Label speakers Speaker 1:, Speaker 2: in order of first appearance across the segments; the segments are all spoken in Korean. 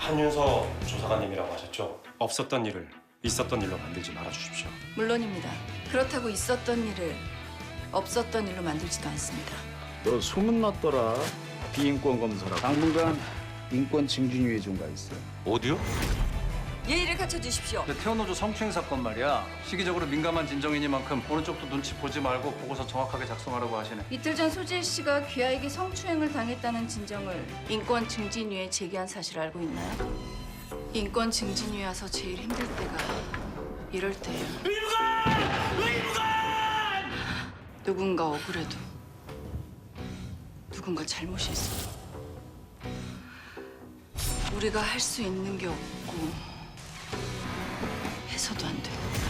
Speaker 1: 한윤서 조사관님이라고 하셨죠? 없었던 일을 있었던 일로 만들지 말아주십시오.
Speaker 2: 물론입니다. 그렇다고 있었던 일을 없었던 일로 만들지도 않습니다.
Speaker 3: 너 소문났더라. 비인권 검사라. 당분간 인권 증진위에 좀 가 있어.
Speaker 4: 어디요?
Speaker 2: 예의를 갖춰주십시오.
Speaker 5: 태어노조 성추행 사건 말이야. 시기적으로 민감한 진정이니만큼 오른쪽도 눈치 보지 말고 보고서 정확하게 작성하라고 하시네.
Speaker 2: 이틀 전 소재 씨가 귀하에게 성추행을 당했다는 진정을 인권 증진위에 제기한 사실을 알고 있나요? 인권 증진위에 와서 제일 힘들 때가 이럴 때예요. 누군가 억울해도 누군가 잘못이 있어도 우리가 할 수 있는 게 없고 해서도 안 돼.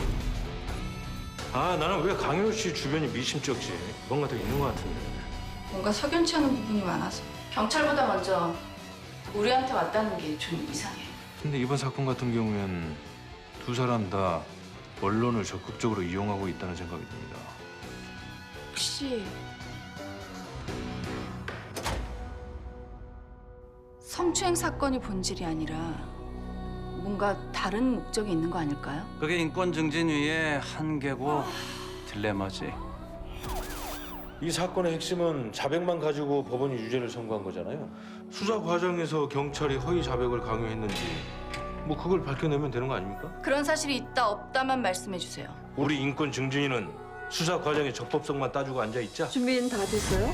Speaker 6: 아, 나는 왜 강현우 씨 주변이 미심쩍지? 뭔가 더 있는 것 같은데.
Speaker 2: 뭔가 석연치 않은 부분이 많아서 경찰보다 먼저 우리한테 왔다는 게 좀 이상해.
Speaker 6: 근데 이번 사건 같은 경우엔 두 사람 다 언론을 적극적으로 이용하고 있다는 생각이 듭니다.
Speaker 2: 혹시 성추행 사건이 본질이 아니라 뭔가 다른 목적이 있는 거 아닐까요?
Speaker 5: 그게 인권 증진위의 한계고 딜레마지.
Speaker 6: 이 사건의 핵심은 자백만 가지고 법원이 유죄를 선고한 거잖아요. 수사 과정에서 경찰이 허위 자백을 강요했는지 뭐 그걸 밝혀내면 되는 거 아닙니까?
Speaker 2: 그런 사실이 있다 없다만 말씀해 주세요.
Speaker 6: 우리 인권 증진위는 수사 과정의 적법성만 따지고 앉아 있자.
Speaker 7: 준비는 다 됐어요?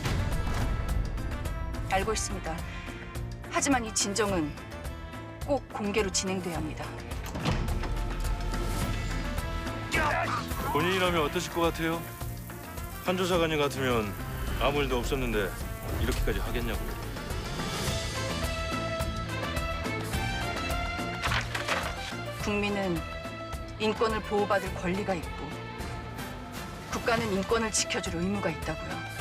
Speaker 2: 알고 있습니다. 하지만 이 진정은 꼭 공개로 진행돼야 합니다.
Speaker 6: 본인이라면 어떠실 것 같아요? 한 조사관님 같으면 아무 일도 없었는데 이렇게까지 하겠냐고요.
Speaker 2: 국민은 인권을 보호받을 권리가 있고 국가는 인권을 지켜줄 의무가 있다고요.